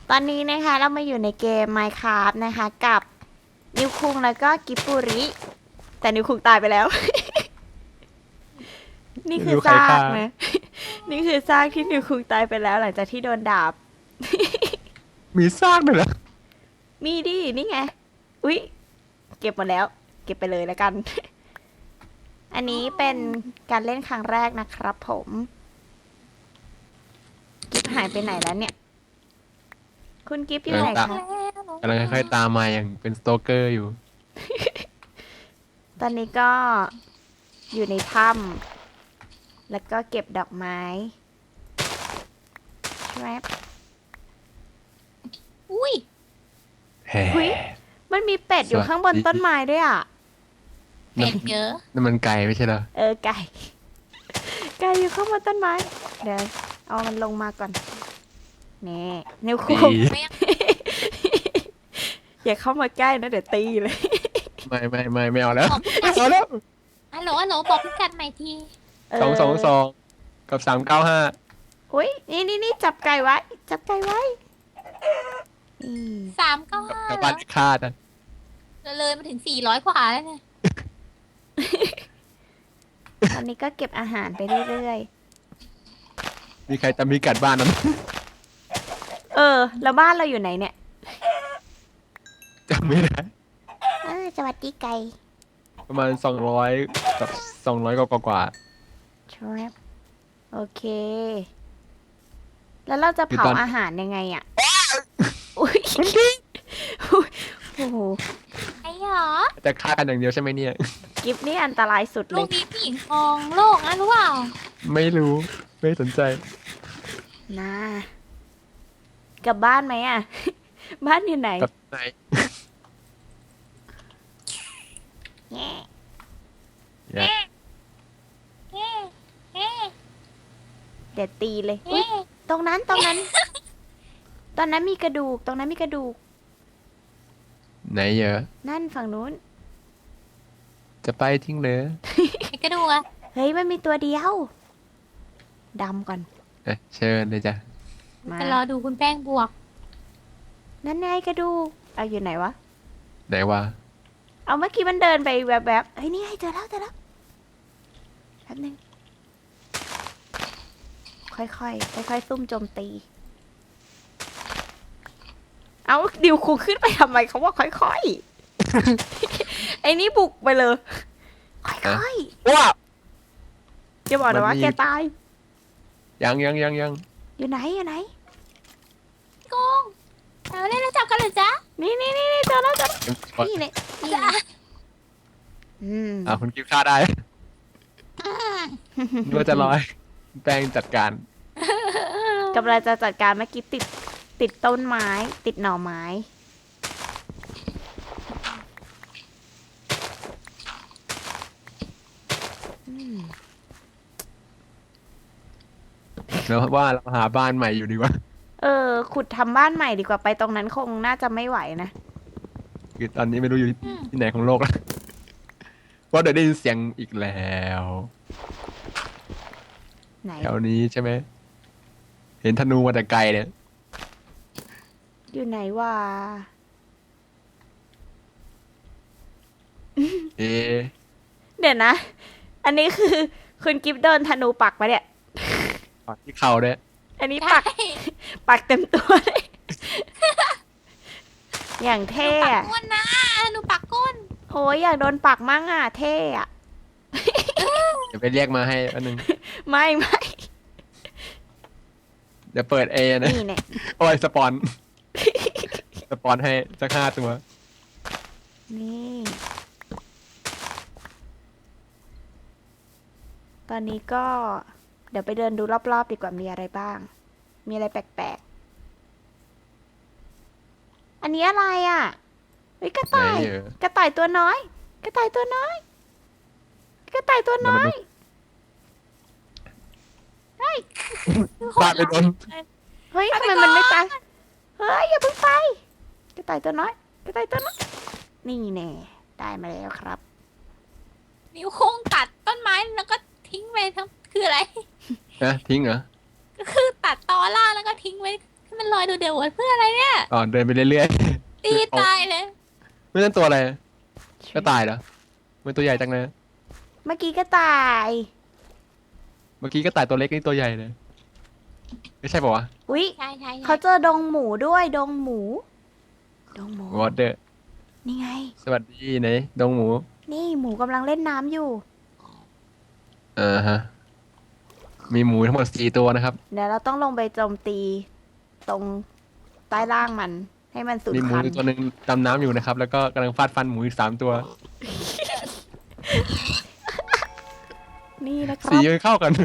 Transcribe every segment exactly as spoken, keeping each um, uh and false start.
ตอนนี้นะคะเรามาอยู่ในเกม Minecraft นะคะกับนิวคุงแล้วก็กิบปุริแต่นิวคุงตายไปแล้ว นี่คือซากนะ นี่คือซากที่นิวคุงตายไปแล้วหลังจากที่โดนดาบมีซากด้วยเหรอมีดินี่ไง อุ๊ย เก็บหมดแล้ว เก็บไปเลยแล้วกัน อันนี้เป็นการเล่นครั้งแรกนะครับผม กิฟหายไปไหนแล้วเนี่ย คุณกิฟอยู่ไหนคะกำลังค่อยๆตามมาอย่างเป็นสโตเกอร์อยู่ตอนนี้ก็อยู่ในถ้ำแล้วก็เก็บดอกไม้ครับอุ้ยแฮ่อุ๊ย มันมีเป็ดอยู่ข้างบนต้นไม้ด้วยอ่ะเป็ดเยอะนั่นมันไก่ไม่ใช่เหรอเออไก่ ไก่อยู่ข้างบนต้นไม้ เดี๋ยวเอามันลงมาก่อนนี่นิ้วตีคุงไม่อย่าเข้ามาใกล้นะเดี๋ยวตีเลยไม่ไม่ไม่ไม่เอาแล้วบอกพี่ไม่กัดเอาแล้วฮัลโหลฮัลโหลบอกพี่กัดใหม่ทีเออสองสองสองกับสามเก้าห้าอุ้ยนี่นี่นี่จับไก่ไว้ จับไก่ไว้นี่สามเก้าห้ากับบ้านคาดอ่ะเลยมาถึงสี่ร้อยกว่าแล้วเนี่ยตอนนี้ก็เก็บอาหารไปเรื่อยมีใครจำพิกัดบ้านนั้นๆ เออ แล้วบ้านเราอยู่ไหนเนี่ยจำไม่ได้เออสวัสดีไก่ประมาณสองร้อยกับสองร้อยกว่ากว่าครับโอเค แล้วเราจะเผาอาหารยังไงอ่ะ อุ้ยอุ๊ยโอ้โหไอ้หรอจะฆ่ากันอย่างเดียวใช่ไหมเนี่ยกิฟนี่อันตรายสุดลูเลกยนี้ผู้หญิงครองโลกนะรู้เปล่าไม่รู้ไม่สนใจนะกลับบ้านไหมอ่ะ บ้านอยู่ไหนกับไหนแง่อย่าเอ๊ะเอ๊ะเดี๋ยวตีเลยอุ๊ยเอ๊ะตรงนั้นตรงนั้น ตอนนั้นมีกระดูก ตรงนั้นมีกระดูกไหนเยอะนั่นฝั่งนู้นจะไปทิ้งเลยไอ้กระดูกอะเฮ้ยมันมีตัวเดียวดำก่อนเอ๊ะเชิญเลยจ้ะมาจะรอดูคุณแป้งบวกนั่นไงกระดูกเอาอยู่ไหนวะไหนวะเอาเมื่อกี้มันเดินไปแวบๆเฮ้ยนี่ไงเจอแล้วเจอแล้วแป๊บนึง ค่อยๆ ค่อยๆ ซุ่มโจมตี เอาดิวคูขึ้นไปทำไมเขาว่าค่อยๆ ไอ้นี่บุกไปเลย ค่อยว้าๆจะบอกนะว่ามันมีแกตายยังยังยังยังอยู่ไหนอยู่ไหนโกงเอาเล่นแล้วจับกันเหรอจ๊ะนี่นี่นี่นี่เจอแล้วเจอแล้วก่อนนี่เนี่ยนี่จ๊ะเนี่ยอืมอ่าคุณกิฟต์ฆ่าได้นึกว่าจะร้อยแป้งจัดการกำลังจะจัดการเมื่อกี้ติดติดต้นไม้ ติดหน่อไม้ อืมแล้วว่าเราหาบ้านใหม่อยู่ดีกว่าเออ ขุดทำบ้านใหม่ดีกว่าไปตรงนั้นคงน่าจะไม่ไหวนะคือตอนนี้ไม่รู้อยู่ที่ไหนของโลกแล้วว่าเดี๋ยวได้ยินเสียงอีกแล้วไหนแถวนี้ใช่ไหมเห็นธนูมาแต่ไกลเนี่ยอยู่ไหนวะเอ๊ะเดี๋ยวนะ อันนี้คือคุณกิฟโดนธนูปักมาเนี่ยปักที่เข่าเนี่ยอันนี้ใช่ปัก ปักเต็มตัวเลย อย่างเท่ปักอะก้นนะหนูปักก้นโอ้ยอยากโดนปักมั่งอ่ะ เท่อะเดี๋ยวไปเรียกมาให้อันหนึ่งไม่ไม่เดี๋ยวเปิดเอนะนี่เนี่ยโอ้ยสปอน สปอนให้สักห้าตัวนี่ ตอนนี้ก็ เดี๋ยวไปเดินดูรอบๆดีกว่ามีอะไรบ้าง มีอะไรแปลกๆ อันนี้อะไรอ่ะเฮ้ยกระต่ายไหนเอ่ยกระต่ายตัวน้อย กระต่ายตัวน้อย กระต่ายตัวน้อยฟาดไปโดนเฮ้ยทำไมมันไม่ตาย เฮ้ยอย่าเพิ่งไป กระต่ายตัวน้อย กระต่ายตัวน้อย นี่แน่ได้มาแล้วครับนิ้วโค้งตัดต้นไม้แล้วก็ทิ้งไปทั้งคืออะไรนะทิ้งเหรอก็คือตัดตอล่างแล้วก็ทิ้งไว้ให้มันลอยดูเดี๋ยวเพื่ออะไรเนี่ยอ๋อเดินไปเรื่อยตีตายเลยๆไม่นั่นตัวอะไรก็ตายเหรอมันตัวใหญ่จังเลยเมื่อกี้ก็ตายเมื่อกี้ก็ตายตัวเล็กนี่ตัวใหญ่เลยไม่ใช่ป่าวะอุ๊ยใช่ใช่เขาเจอดงหมูด้วยดงหมู ดงหมูวอเดอร์นี่ไงสวัสดีไหนดงหมูนี่หมูกำลังเล่นน้ำอยู่อ่าฮะมีหมูทั้งหมดสี่ตัวนะครับเดี๋ยวเราต้องลงไปโจมตี ตรงใต้ล่างมัน ให้มันสูญมีหมูพันอยู่ธุ์ตัวหนึ่งดำน้ำอยู่นะครับ แล้วก็กำลังฟาดฟันหมูอีกสามตัวนี่นะคสีรับมันเข้ากัน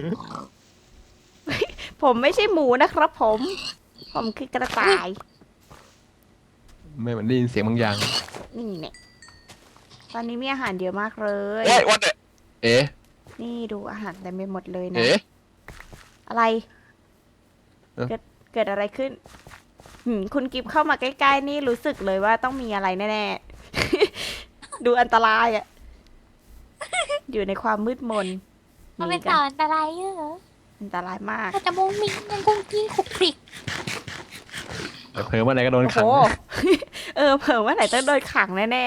ผมไม่ใช่หมูนะครับผม ผมคือกระต่ายไม่เหมือนได้ยินเสียงบางอย่างนี่เนี่ยตอนนี้มีอาหารเยอะมากเลยเอ๊ะวัดเอ๊ะนี่ดูอาหารเต็มไปหมดเลยนะเอ๊ะอะไรเอ้าเกิดเกิดอะไรขึ้นหืมคุณกิฟเข้ามาใกล้ๆนี่รู้สึกเลยว่าต้องมีอะไรแน่ๆ ดูอันตรายอะอยู่ในความมืดมนมันเป็นกัต่ออันตรายเยอะอันตรายมากถ้าจะมุงมิ้งยังกุ้งกิ้งขุกคลิกแต่เผลอเมื่อไหร่ก็โดนโอ้ขังโห เออเผื่อว่าไหนต้องโดนขังแน่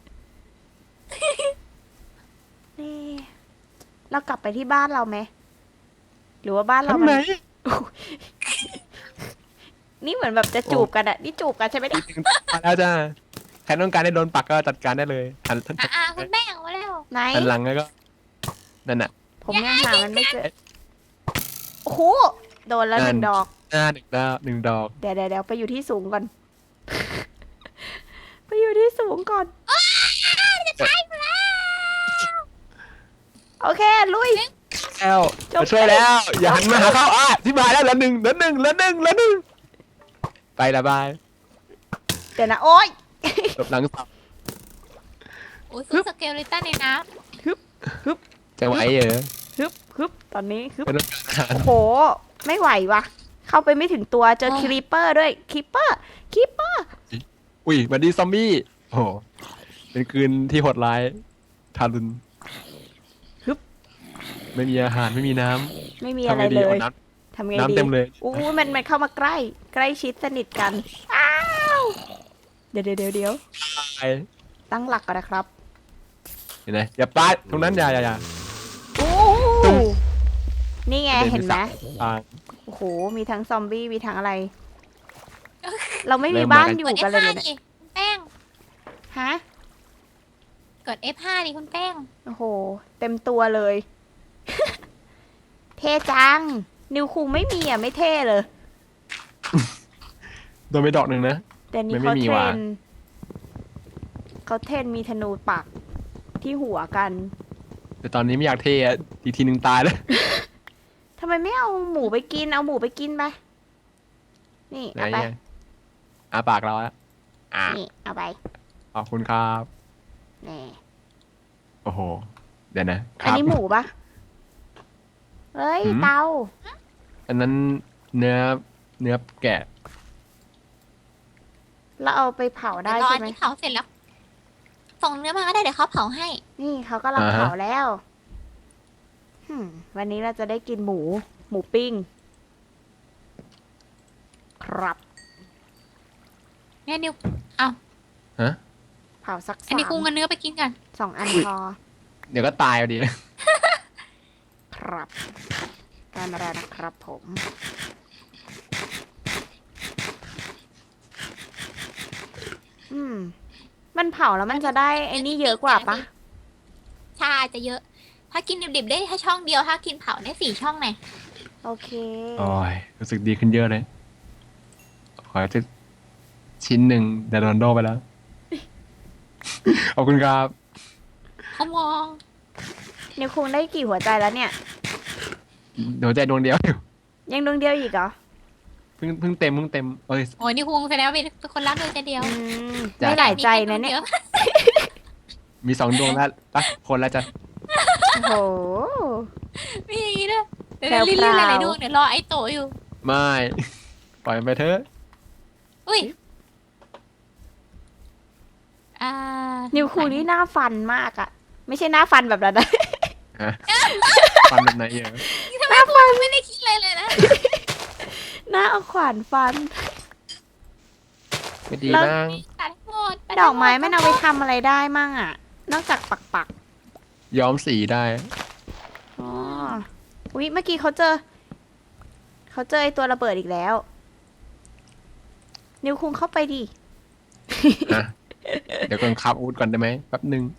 ๆ นี่ เรากลับไปที่บ้านเราไหม หรือว่าบ้านเราทำมัไมน นี่เหมือนแบบจะจูบกันอะนี่จูบกันใช่ไหมเนี่ยมาแล้วจ้าใครต้องการให้โดนปักก็จัดการได้เลยหันหันอ่ะอ่ะคุณแม่เอามาแล้วไหนหันหลังแล้วก็นั่นน่ะผมยังหามันไม่เจอ โอ้โห โดนแล้วหนั่นึ่นงดอกหน้าหนึ่งดาวหนึ่งดอกเดี๋ยวเดี๋ยวเดี๋ยวไปอยู่ที่สูงก่อน ไปอยู่ที่สูงก่อน โอเค ลุยแล้วจบมาช่วยแล้ว อย่าหันมาหาเขาอ่ะที่บายแล้วเหลือหนึ่งเหลือหนึ่งเหลือหนึ่งเหลือหนึ่งไปละบายเดี๋ยวนะ โอ๊ยหลบหลังสับโอ้ยซื้อสเกลเลตันในน้จังหวะไอ้เหรอฮึบฮึบตอนนี้ฮึบเป็นต้องการอาหารโอ้โห ไม่ไหววะเข้าไปไม่ถึงตัว เจอครีปเปอร์ด้วยครีปเปอร์ครีปเปอร์อุ้ยบัดดี้ซอมบี้โอ้โหเป็นคืนที่โหดร้ายทารุณไม่มีอาหารไม่มีน้ไม่มีำอะไรทำไงดีเลเอายน้ทำไงำน้ำดีเต็มเลยอู้มันมันเข้ามาใกล้ ใกล้ชิดสนิทกัน อ้าว เดี๋ยวเดี๋ยวเดี๋ยวเดี๋ยวไปตั้งหลักก่อนนะครับเห็นไหมอย่าปาดตรงนั้นอย่าอย่าอย่าโอ้ตุ้มนี่ไงเห็นไหมปาดโอ้โห มีทั้งซอมบี้ มีทั้งอะไร เราไม่เริ่มีมบ้านมากันำอก ยู่ดกันเลยเอฟเลยห้าเนี่ยดิคุณแป้งฮะกด เอฟห้า ดิคุณแป้งโอ้โห เต็มตัวเลย เท่จัง นิวคุงไม่มีอ่ะ ไม่เท่เลยโดนไปดอกหนึ่งนะแต่นี่มันไม่เขามีเทรว่ะน เขาเทรนมีธนูปักที่หัวกันแต่ตอนนี้ไม่อยากเทอะอีกทีหนึ่งตายแล้วทำไมไม่เอาหมูไปกิน เอาหมูไปกินไป นี่ไหนเอาไปไงอาปากเราอะอ่ะนี่ เอาไปขอบคุณครับนี่โอ้โห เดี๋ยวนะคอันรับนี้หมูปะเฮ้ยหืมเตาอันนั้นเนื้อเนื้อแกะแล้วเอาไปเผาได้เดี๋ยวรอใช่อันไหมนี้เผาเสร็จแล้ว ส่งเนื้อมาก็ได้เดี๋ยวเขาเผาให้นี่เขากำลังอ่าฮะเผาแล้วหืมวันนี้เราจะได้กินหมู หมูปิ้ง ครับเนี่ยนิวฮะเผาสักอันสานี้กุ้งมกับเนื้อไปกินกันสองอันพอเดี๋ยวก็ตายเอาดีครับได้มาแล้วนะครับผม อืม มันเผาแล้วมันจะได้ไอ้นี่เยอะกว่าปะใช่จะเยอะ ถ้ากินดิบๆได้แค่ช่องเดียว ถ้ากินเผาได้สี่ช่องไงโอเคโอ้ยรู้สึกดีขึ้นเยอะเลย ขอจะชิ้นหนึ่งแต่โดนโดไปแล้ว ขอบคุณครับเขามองนิวคุงได้กี่หัวใจแล้วเนี่ยหัวใจดวงเดียวอยู่ยังดวงเดียวอีกเหรอเพิ่งเพิ่งเต็มเพิ่งเต็มเอ้ยโอ้ยนี่คุงแสดงว่าเป็นคนรักเดียวใจเดียวอืมจ้ะไม่หลายใจนะเนี่ยมีสองดวงแล้วปะคนแล้วจะโอ้โหมีอย่างนี้ด้วยเดี๋ยวรีบๆหลายๆดวงเดี๋ยวรอไอ้โตอยู่ไม่ ปล่อยมันไปเถอะอุ้ย อ่านิวคุงนี่หน้าฟันมากอะไม่ใช่หน้าฟันแบบนั้นนะฮะฟันแบบไหนเยอะทำไมคุณไม่ได้คิดเลยเลยนะหน้าเอาขวานฟันไม่ดีแล้วมั้งตัดหมดตัดอกไม้หมันเอาไปทำอะไรได้มั่งอะนอกจากปักปักย้อมสีได้อ๋ออุ๊ยเมื่อกี้เขาเจอ เขาเจอไอตัวระเบิดอีกแล้ว นิวคุงเข้าไปดิอ่ะ เดี๋ยวก่อนครับอาวุธก่อนได้ไหมแป๊บหนึ่ง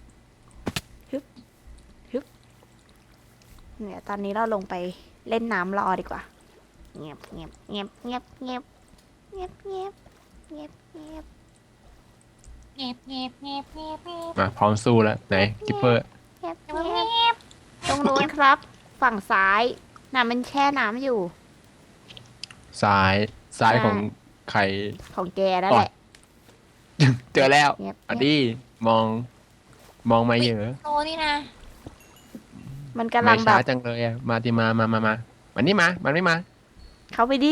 เนี่ยตอนนี้เราลงไปเล่นน้ำรอดีกว่า เงียบเงียบเงียบเงียบเงียบเงียบเงียบเงียบเงียบเงียบเงียบเงียบเงียบเงียบมาพร้อมสู้แล้วไหนกิปเปอร์เงียบเงีเงียบยบตรงนู้นครับ ฝั่งซ้ายน่ะมันแช่น้ำอยู่ซ้ายซ้ายใช่ของใครของแกนั่นแหละเจอแล้วเงียบอ่ะเงียบดิมอง มองมาเยอะโตนี่นะมันกำลัไม่งแบช้าบจังเลยอ่ะมาดิมามามามามันนี่มา มันไม่มาเข้าไปดิ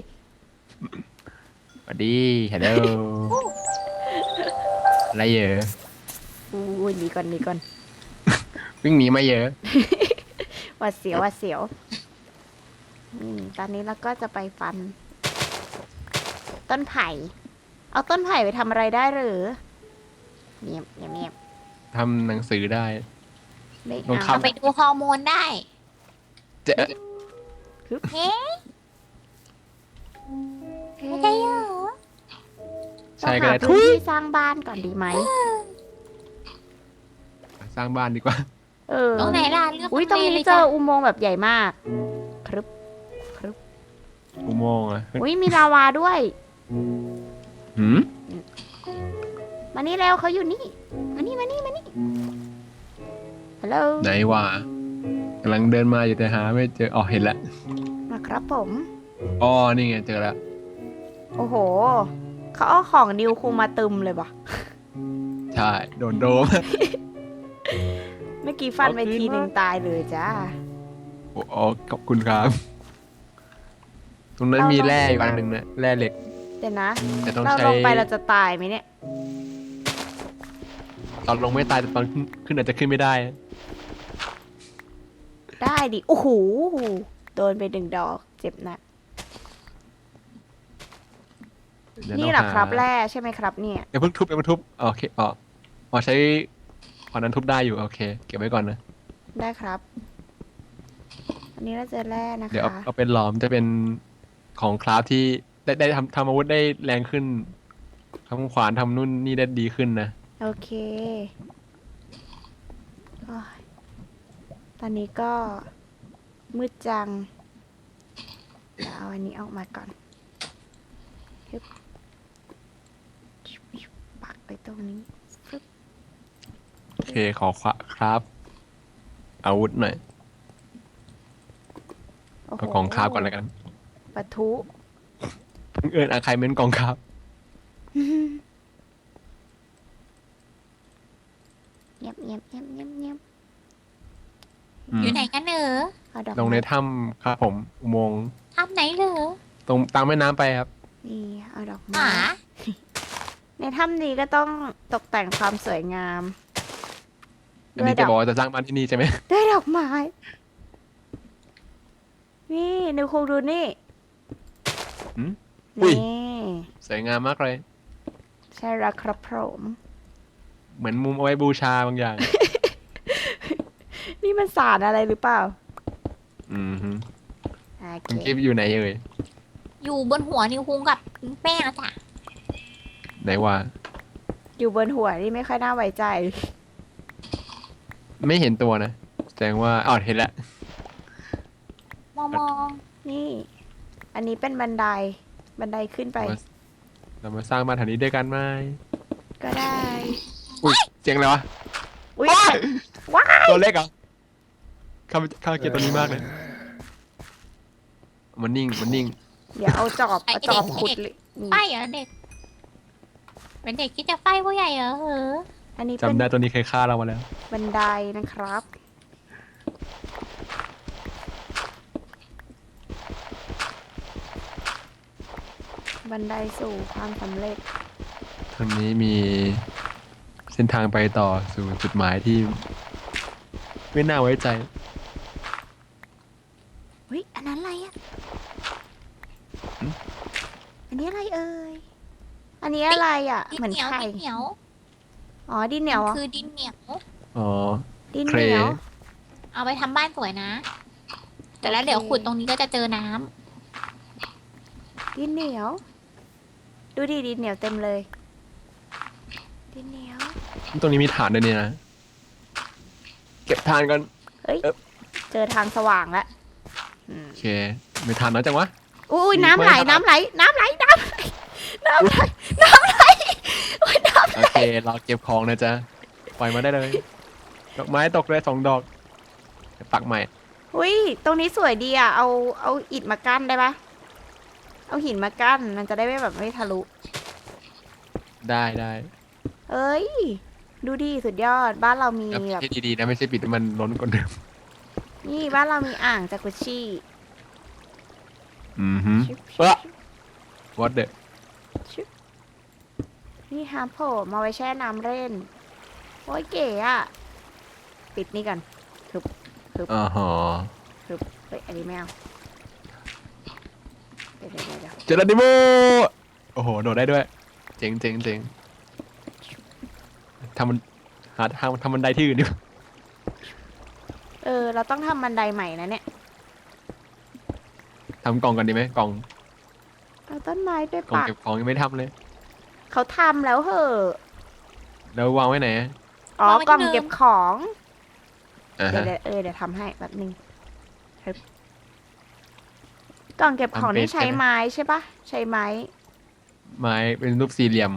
มาดิฮัลโหลอะไรเยอะอู้ยหนีก่อนหนีก่อนวิ่งหนีมาเยอะหวัดเสียวหวัดเสียวนี่ตอนนี้เราก็จะไปฟัน ต้นไผ่ เอาต้นไผ่ไปทำอะไรได้หรือเงียบเงียบเงียบทำหนังสือได้ไม่ลองเอาทำเอาไปดูฮอร์โมนได้เจ๊เฮ้เอ๊ะไม่ใช่เหรอใช่ต้องก็หาได้พื้นที่สร้างบ้านก่อนดีไหมสร้างบ้านดีกว่าเออตรงไหนล่ะเลือกอุ้ยตรงทำเลนี้เลยเจจ้ะออุโมงค์แบบใหญ่มากครึบอุโมงค์อ่ะอุ้ยมีลาวาด้วยหืมมานี่แล้วเขาอยู่นี่ มานี่มานี่มานี่ฮัลโหลไหนวะกำลังเดินมาอยู่แต่หาไม่เจออ๋อเห็นแล้วมาครับผมอ๋อนี่ไงเจอแล้วโอ้โห เขาเอาของดิวคุงมาตึมเลยปะใช่โดนโดมเมื่อกี้ฟันไปเอาคืนทีหนึ่งมาตายเลยจ้าโอ้อ๋อขอบคุณครับ ตรงนั้นเรามีมีแร่อยู่อันหนึ่งนะแร่เหล็กเดี๋ยวนะแต่ต้องเราใช้ลงไปเราจะตายไหมเนี่ยตอนลงไม่ตายแต่ตอนขึ้นขึ้นอาจจะขึ้นไม่ได้ได้ดิ โอ้โห โดนไปหนึ่งดอก เจ็บหนักเดี๋ยวนี่ต้งเหรอครับาแร่ใช่ไหมครับเนี่ยเดี๋ยวเพิ่งทุบเดี๋ยวเพิ่งทุบโอเคอ๋ออ๋อใช้ขอนนั้นทุบได้อยู่โอเค เก็บไว้ก่อนนะได้ครับ อันนี้เราเจอแร่นะเดี๋ยวเอาคะเอาเป็นหลอมจะเป็นของคราฟที่ได้ได้ทำทำอาวุธได้แรงขึ้นทำขวานทำนู่นนี่ได้ดีขึ้นนะโอเคโอ้ยตอนนี้ก็มืดจัง เดี๋ยวเอาอันนี้ออกมาก่อนฮึบปักไปตรงนี้ฟึบโอเคขอครับอาวุธหน่อยโอ้โหเอากองคราฟก่อนแล้วกันปะทุเพิ่งเอิญอาใครเม้นกองคราฟเงียบเงียบเงียบเงียบเงียบอืมอยู่ไหนกันเหรอเอาดอกลงในไม้ถ้ำครับผมอุโมงค์ทำไหนเหรอตรงตามแม่น้ำไปครับนี่เอาดอกหไม้มาในถ้ำนี้ก็ต้องตกแต่งความสวยงามอันนี้ด้วยดจะอกบอกว่าจะสร้างบ้านที่นี่ใช่ไหมด้วยดอกไม้ นี่นิวคูดูนี่หืม อุ้ยนี่สวยงามมากเลยใช่แล้วครับผมเหมือนมุมเอาไว้บูชาบางอย่างนี่มันสารอะไรหรือเปล่าอืมฮึโอคุณเคกิฟอยู่ไหนเอ่ยอยู่บนหัวนิวคุงกับแป้งอะจ้ะไหนว่าอยู่บนหัวนี่ไม่ค่อยน่าไว้ใจไม่เห็นตัวนะแสดงว่าอ๋อเห็นแล้วมองมองนี่ อันนี้เป็นบันได บันไดขึ้นไปเรามาสร้างบ้านแถวนี้ด้วยกันไหมก็ได้อุ้ยเสียงอะไรวะอุ้ยว้ายตัวเล็กเหรอข้าข้าเกลียดตัวนี้มากเลย มันนิ่งมันนิ่งเดี๋ยวเอาจอบเอาจอบขุดเลยนี่ไฟเหรอเด็ก เป็นเด็กที่จะไฟผู้ใหญ่เหรอเหรออันนี้เป็นจำได้ตัวนี้เคยฆ่าเรามาแล้วบันไดนะครับ บันไดสู่ความสำเร็จทางนี้มีเส้นทางไปต่อสู่จุดหมายที่ ไม่น่าไว้ใจเฮ้ย อันนั้นอะไรอ่ะหึอันนี้อะไรเอ่ย อันอันนี้อะไรอ่ะดินเหมือนเหนียวไข่ดินเหนียวอ๋อดินเหนียวเหรอคือดินเหนียวอ๋อดินเคเหรนียวเอาไปทำบ้านสวยนะ แต่แล้วโอเคเดี๋ยวขุดตรงนี้ก็จะเจอน้ำดินเหนียว ดูดิดินเหนียวเต็มเลย ดินเหนียวตรงนี้มีฐานด้วยเนี่ยนะ เก็บฐานก่อนเฮ้ยเอ๊ะเจอทางสว่างแล้วอืมโอเคมีฐานน้อยจังวะอุ้ยมีน้ำไหลไม้น้ำไหล น้ำไหล น้ำไหล น้ำไหล น้ำไหลโอ้ยน้ำโอเคเราเก็บของนะจ๊ะปล่อยมาได้เลย ดอกไม้ตกเลยสองดอกเดี๋ยวปักใหม่อุ้ย ตรงนี้สวยดีอ่ะ เอา เอาอิฐมากั้นได้ปะเอาหินมากั้น มันจะได้ไม่แบบไม่ทะลุได้ได้เอ้ย ดูดิสุดยอด บ้านเรามีแล้วแบบให้ดีๆนะไม่ใช่ปิดให้มันล้นกว่าเดิมนี่บ้านเรามีอ่างจากุชชี่อือฮึชิบเอ้อ what the ชิบนี่ฮาร์โผล่มาไว้แช่น้ำเล่น โอ้ยเก๋อะปิดนี่กันอ๋อฮะเฮ้ย อันนี้ไม่เอาเดี๋ยวเดี๋ยวเดี๋ยวเจอร์นิโมโอ้โหโดดได้ด้วย เจ๋งเจ๋งเจ๋งทำมันหาทางทำบันไดที่อื่นดิเออ เราต้องทำบันไดใหม่นะเนี่ยทำกล่องก่อนดีไหมกล่องเอาต้นไม้ไปกล่องปักเก็บของยังไม่ทำเลยเขาทำแล้วเหอะแล้ววางไว้ไหนอะอ๋อวางไว้ที่กล่องเดิมเก็บของอ่าเดี๋ยฮะวเดี๋ยวเออเดี๋ยวทำให้แบบนึงครับกล่องเก็บของนี่ทำเป็นใช้ใช่ไหมไม้ใช่ปะใช้ไม้ไม้เป็นรูปสี่เหลี่ยม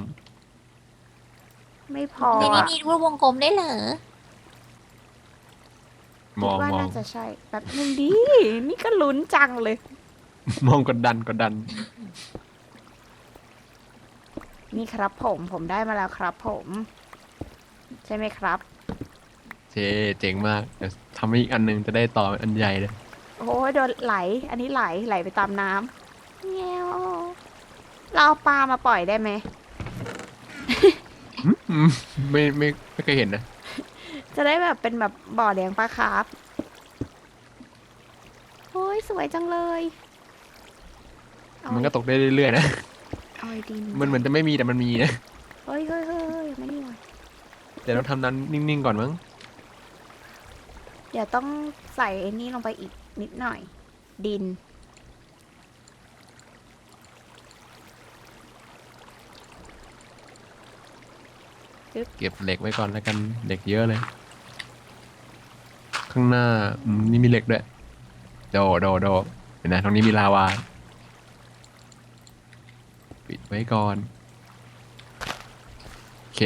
ไม่พอในนี้อะมีรูปวงกลมได้เหรอมองคิดว่ามองน่าจะใช่แบบนึงดี นี่ก็ลุ้นจังเลยมองกดดันกดดันนี่ครับผมผมได้มาแล้วครับผม ใช่ไหมครับเจเจ๋งมากเดี๋ยวทำให้อีกอันหนึงจะได้ต่อเป็นอันใหญ่เลยโอ้ยโดนไหล อันนี้ไหลไหลไปตามน้ำเงี้ยวเราเอาปลามาปล่อยได้ไหมอืมไม่ไม่ไม่เคยเห็นนะจะได้แบบเป็นแบบบ่อเลี้ยงปลาคาร์ฟโอ้ยสวยจังเลยเอามันก็ตกได้เรื่อยๆนะเอาไอ้ดินมันเหมือนจะไม่มีแต่มันมีนะเฮ้ยเฮ้ยเฮ้ยเฮ้ยมานี่มาเดี๋ยวเราทำนั้นนิ่งๆก่อนมั้งเดี๋ยวต้องใส่ไอ้นี่ลงไปอีกนิดหน่อย ดินเก็บเหล็กไว้ก่อนแล้วกันเหล็กเยอะเลย ข้างหน้าอืมนี่มีเหล็กด้วยโดโดโดเห็นนะตรงนี้มีลาวาปิดไว้ก่อนโอเค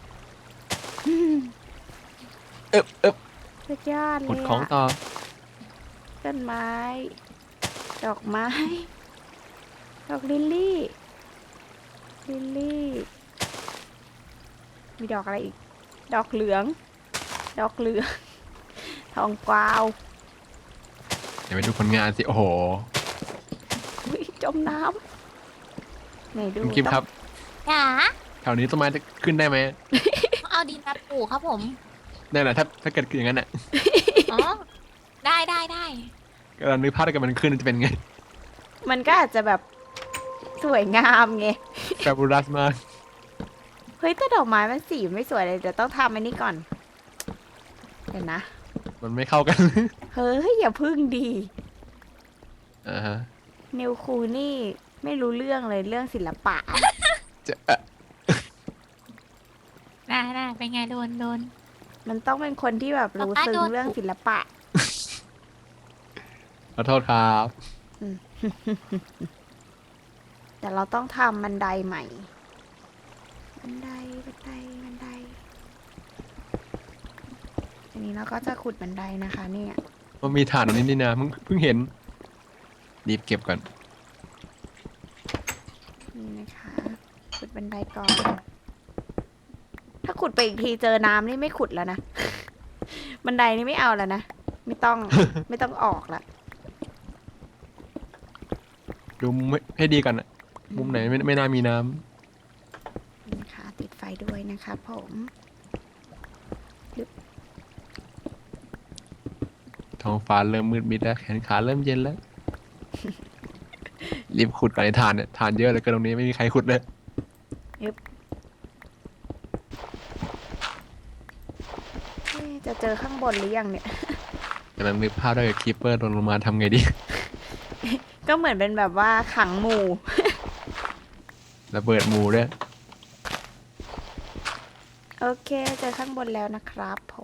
เอ๊บเอ๊บสุดยอดเลหมดยของอะต่อต้นไม้ ดอกไม้ ดอกลิลลี่ ลิลลี่ มีดอกอะไรอีก ดอกเหลือง ดอกเหลือง ทองกวาวเดี๋ยวไปดูผลงานสิ โอ้โหอุ๊ยจมน้ำไหนดูคุณกิฟครับจ๋าแถวนี้ต้นไม้จะขึ้นได้ไหมเอาดินมาปลูกครับผมนั่นแหละถ้าถ้าเกิดอย่างนั้นอ่ะอ๋อ ได้ได้ได้กำลังนึกภาพถ้าเกิดมันขึ้นจะเป็นไงมันก็อาจจะแบบสวยงามไงแฟบูรัสมากเฮ้ยแต่ดอกไม้มันสีไม่สวยเลยเดี๋ยวต้องทำอันนี้ก่อน เดี๋ยวนะมันไม่เข้ากันเฮ้ยอย่าพึ่งดีอ่าฮะนิวคูนี่ไม่รู้เรื่องเลยเรื่องศิลปะจะเอ่อได้ได้เป็นไงโดนโดนมันต้องเป็นคนที่แบบรู้ซึ้งเรื่องศิลปะขอโทษครับแต่เราต้องทำบันไดใหม่ บันได บันได บันได อันนี้เราก็จะขุดบันไดนะคะ เนี่ยมันมีฐานตรงนี้นี่นะเพิ่งเพิ่งเห็นรีบเก็บก่อนนี่นะคะ ขุดบันไดก่อน ถ้าขุดไปอีกทีเจอน้ำนี่ไม่ขุดแล้วนะ บันไดนี่ไม่เอาแล้วนะ ไม่ต้อง ไม่ต้องออกละดูมุมให้ให้ดีก่อนอะมุมไหนไม่ไม่น่ามีน้นี่นะคะติดไฟด้วยนะคะผมำท้องฟ้าเริ่มมืดมิดแล้วแขนขาเริ่มเย็นแล้ว รีบขุดก่อนในฐานเนี่ยฐานเยอะเหลยเกินตรงนี้ไม่มีใครขุดเลยไอยึบเอ๊ะจะเจอข้างบนหรือยังเนี่ยกำลังนึกภาพได้กับคีปเปอร์ลงมาทำไงดีก็เหมือนเป็นแบบว่าขังหมู่ระเบิดหมูด้วยโอเค เจอข้างบนแล้วนะครับผม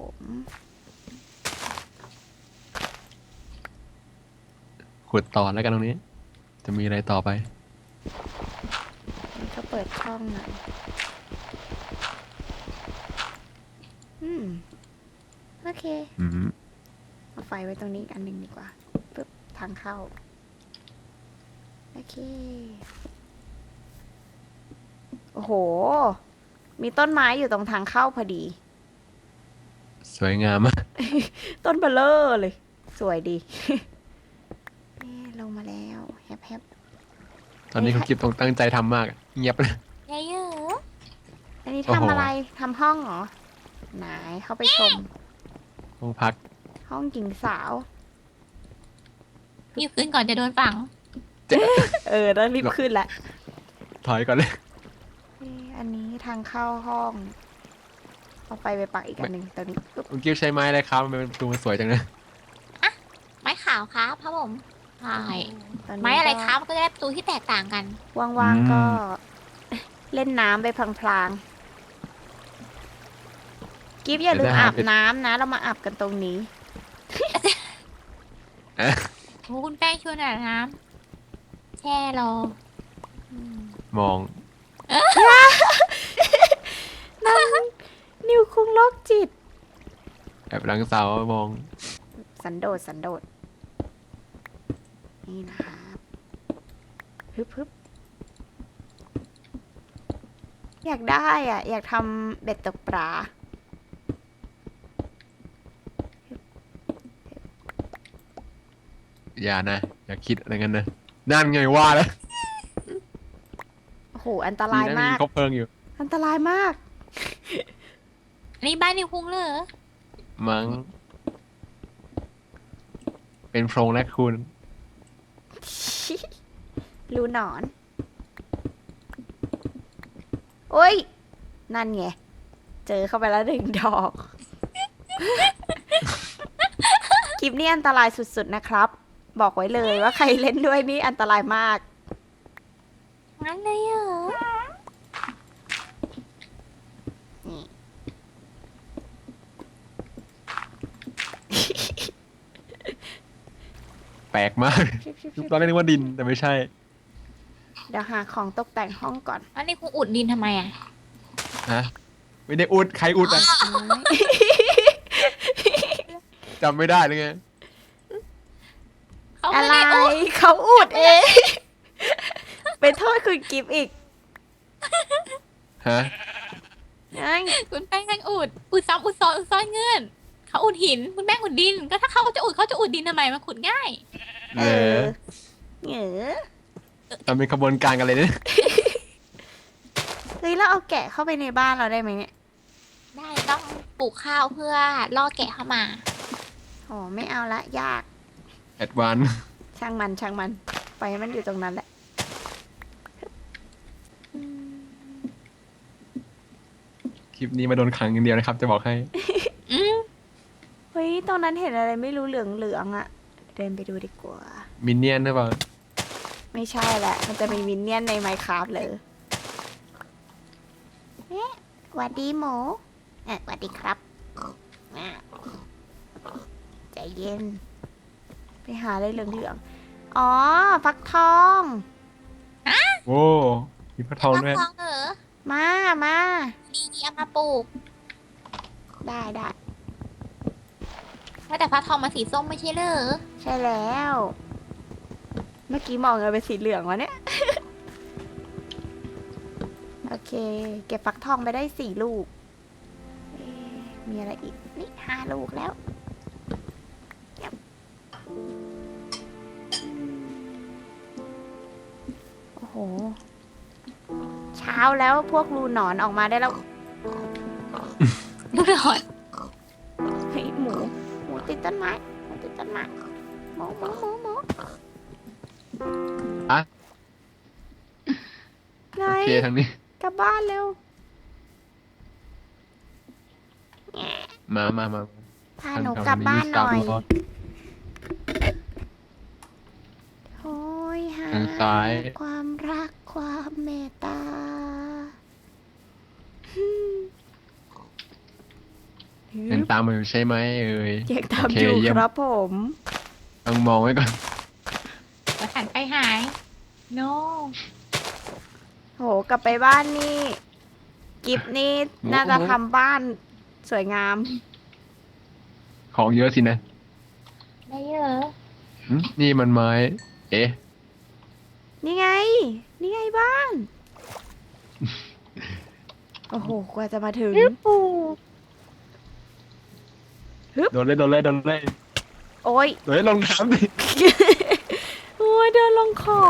ขุดต่อแล้วกันตรงนี้ จะมีอะไรต่อไปนี่ก็เปิดช่องหน่อย อืม โอเคอืมเอาไฟไว้ตรงนี้อีกอันหนึ่งดีกว่าปึ๊บทางเข้า โอเค โอ้โห มีต้นไม้อยู่ตรงทางเข้าพอดีสวยงามมากต้นเบลเลอร์เลย สวยดี นี่ลงมาแล้วแฮปแฮปตอนนี้คุณกิฟต้องตั้งใจทำมาก เงียบเลยเยอะอันนี้โอ้โหทำอะไร ทำห้องเหรอ ไหนเข้าไปชมห้องพักห้องหญิงสาวๆรีบขึ้นก่อนจะโดนฝังเออต้องรีบขึ้นละถอยก่อนเลยนี่อันนี้ทางเข้าห้อง เอาไฟไปปักอีกอันหนึ่งตรงนี้ปึ๊บคุณกิฟใช้ไม้อะไรครับมันเป็นประตูมันสวยจังนะไม้ขาวครับครับผมใช่ตอนนี้ไม้อะไรก็ครับก็จะได้ประตูที่แตกต่างกันว่างๆก็ เล่นน้ำไปพลางๆกิฟอย่าลืมอาบน้ำนะ เรามาอาบกันตรงนี้โอ้คุณแป้งชวนอาบน้ำแช่รอมองนิวคุงโรคจิตแอบหลังเสามองสันโดษสันโดษนี่นะครับฮึบฮึบอยากได้อ่ะ อยากทำเบ็ดตกปลาอย่านะ อย่าคิดอะไรงั้นนะ นั่นไงว่าแล้วโอ้โห อันตดีรายนะมีมากคบเพลิงอยู่อันตรายมากอันนี้บ้านนิวคุงเลยเหรอมั้ง เป็นโพรงและคุณรูหนอน โอ้ย นั่นไง เจอเข้าไปแล้วหนึ่งดอก คลิปนี้อันตรายสุดๆนะครับ บอกไว้เลยว่าใครเล่นด้วยนี่อันตรายมากงั้นเลยเหรอนี่แปลกมาก ตอนแรกนึกว่าดินแต่ไม่ใช่เดี๋ยวหาของตกแต่งห้องก่อนอันนี้คุงอุดดินทำไมอ่ะฮะ ไม่ได้อุด ใครอุดอ่ะไม้จำไม่ได้เลยไงเขาอะไม่ไรได้อุดเขาอุดเอง ไปโทษคุณกิฟต์อีกฮะไอ้คุณแป้งกันอุด อุดซ้ำอุดซ้อนอุดซ้อนเงื่อนเขาอุดหิน คุณแป้งอุดดิน ก็ถ้าเขาจะอุดเขาจะอุดดินทำไมมันขุดง่ายเอเอออเหงอทำเป็นขบวนการกันเลยเนี่ยเฮ้ยเราเอาแกะเข้าไปในบ้านเราได้ไหมเนี่ยได้ต้องปลูกข้าวเพื่อล่อแกะเข้ามาโอ้ไม่เอาละยากแอดวานช่างมันช่างมันไปให้มันอยู่ตรงนั้นแหละคลิปนี้มาโดนขังอย่างเดียวนะครับ จะบอกให้อืมเฮ้ยตรงนั้นเห็นอะไรไม่รู้เหลืองเหลืองๆอะเดินไปดูดีกว่ามินเนี่ยนหรือเปล่าไม่ใช่แหละ มันจะมีมินเนี่ยนในไมค์คราฟเลยเอ๊ะหวัดดีหมูเอ๊ะหวัดดีครับอ่ะใจเย็น ไปหาอะไรเหลืองๆ อ๋อ ฟักทองโอ้มีพระทองฟักด้วยทองเหรอมา มาดีเอามาปลูกได้ได้ว่าแต่ฟักทองมันสีส้มไม่ใช่เหรอใช่แล้ว เมื่อกี้มองเลยเป็นสีเหลืองวะเนี่ย โอเค เก็บฟักทองไปได้สี่ลูกเอ๊ะมีอะไรอีก นี่ห้าลูกแล้วเยี่ยมโอ้โห เช้าแล้วพวกรูหนอนออกมาได้แล้วดูหน่อยเฮ้ยหมู หมูติดต้นไม้ หมูติดต้นไม้ หมูหมูหมูหมูอะไงโอเคทางนี้กลับบ้านเร็วมามามาพาหนูกลับบ้านหน่อยทางโอ้ยหาทางซ้ายความรักความเมตตายังตามมาอยู่ใช่ไหมเอ่ยยังตามโอเคอยู่เยี่ยมครับผมต้องมองไว้ก่อนมาหันไปหาย no โหกลับไปบ้านนี่ กิฟนี่น่าจะทำบ้านสวยงามของเยอะสินะได้เยอะหึนี่มันไม้ เอ๊ะนี่ไง นี่ไงบ้าน โอ้โห กว่าจะมาถึงปูโดนเลยโดนเลยโดนเลยโอ้ยโดนเลยลงน้ำดิโอ้ยเดินลงขอบ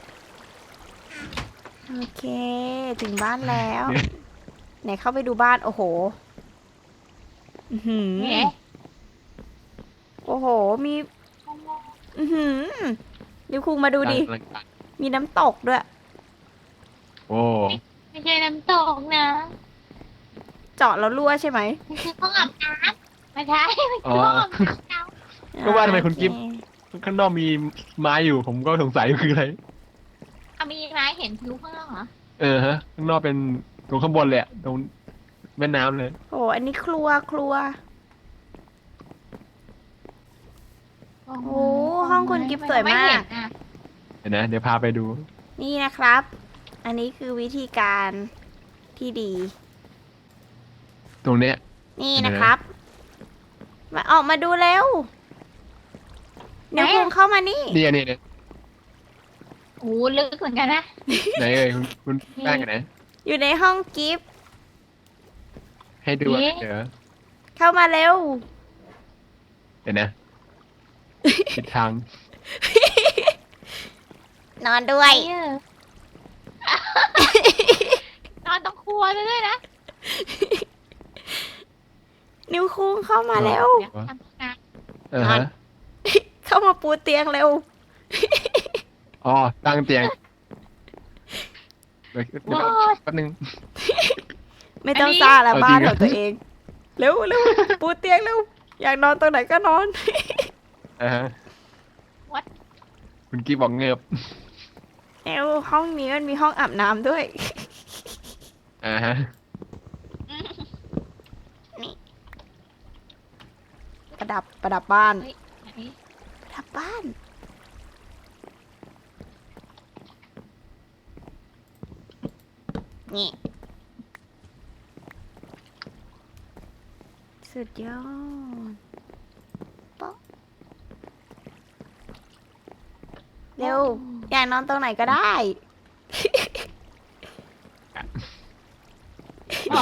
โอเค ถึงบ้านแล้ว ไหนเข้าไปดูบ้าน โอ้โห อื้อหือเนี่ยโอ้โห มี อือหือดิวคุงมาดูดิกลางกลางมีน้ำตกด้วยโอ้ไม่ใช่น้ำตกนะเจาะแล้วรั่วใช่ไหมไม่ใช่ห้องอาบน้ำไม่ใช่ไม่อ๋ใช่อห้องอาบน้ำก็ว่าทำไมคุณกิ๊ฟโอเข้างนอกมีไม้อยู่ ผมก็สงสัยคืออะไรเอามีไม้เห็นทะลุข้างนอกเหรอเออฮะ ข้างนอกเป็นตรงข้างบนเลยอะตรงแม่น้ำเลยโอ้อันนี้ครัวครัวโอ้โอ้ห้องคุณกิ๊บสวยมากไเห็นอะเดี๋ยวนะ เดี๋ยวพาไปดูนี่นะครับ อันนี้คือวิธีการที่ดีตรงเนี้ยนี่นะครับ มาออกมาดูเร็วเดี๋ยวคุงเข้ามานี่นี่อันนี้เนี่ยโอ้ลึกเหมือนกันนะไหนเอ่ยคุณคุณแป้งกันไหนอยู่ในห้องกิฟต์ให้ดูอะเดี๋ยวเข้ามาเร็วเดี๋ยวนะผิดทางนอนด้วยเออนอนตรงครัวเลยด้วยนะนิวคุงเข้ามาเร็วเดี๋ยวทำงานเออฮะเข้ามาปูเตียงเร็วอ๋อ ตั้งเตียงเดี๋ยวเดี๋ยวแป๊บนึงไม่ต้องซ่าละเอาจริงบ้านเหรขอองตัวเอง เร็วเร็วปูเตียงเร็ว อยากนอนตรงไหนก็นอนอ่าฮะคุณกี้บอกเงือบเร็วห้องนี้มันมีห้องอาบน้ำด้วยอ่าฮะประดับประดับบ้านเฮ้ยไหนประดับบ้าน นี่ สุดยอดป๊อกเร็ว อยากนอนตรงไหนก็ได้อ๋อ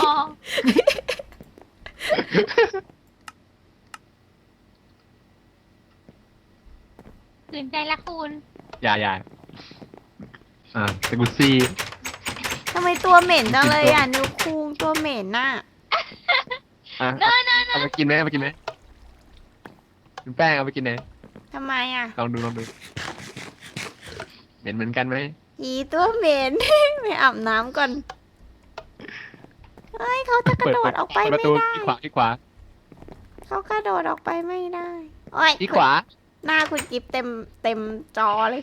ตื่นใจละคุณอย่าอย่าอ่าสกุซี่ทำไมตัวเหม็นจังเลยอ่ะ นิ้วคุงตัวเหม็นน่ะอ่ะเนอะเนอะเนเอาอะไปกินไหมเอาไปกินไหมคุณแป้งเอาไปกินไหนทำไมอ่ะลองดูลองดูเหม็นเหมือนกันไหมอีตัวเหม็น ไปอาบน้ำก่อน เฮ้ยเขาจะกระโดดออกไปเปิดปไม่ระตูได้ที่ขวาที่ขวาเขากระโดดออกไปไม่ได้ โอ้ยที่ขวาหน้าคุณกิฟเต็มเต็มจอเลย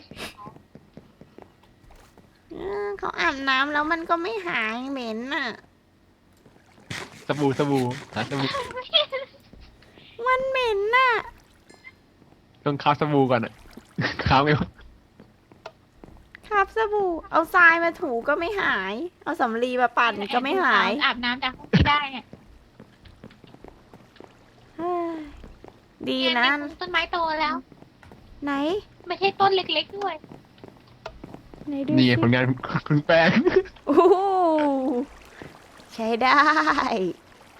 เออเขาอาบน้ำแล้วมันก็ไม่หายเหม็นน่ะสบู่สบู่หาสบู่มันเหม็นน่ะต้องคาบสบู่ก่อนอ่ะ คาบไงวะครับสบู่ เอาทรายมาถูก็ไม่หาย เอาสำลีมาปั่นก็ไม่หายอาบน้ำจากห้องที่ได้เนี่ยเฮ้ยดีเยนะมีต้นไม้โตแล้วไหนไม่ใช่ต้นเล็กๆด้วยไหนดูนี่สิผลงานคุณแป้งโอ้โหใช้ได้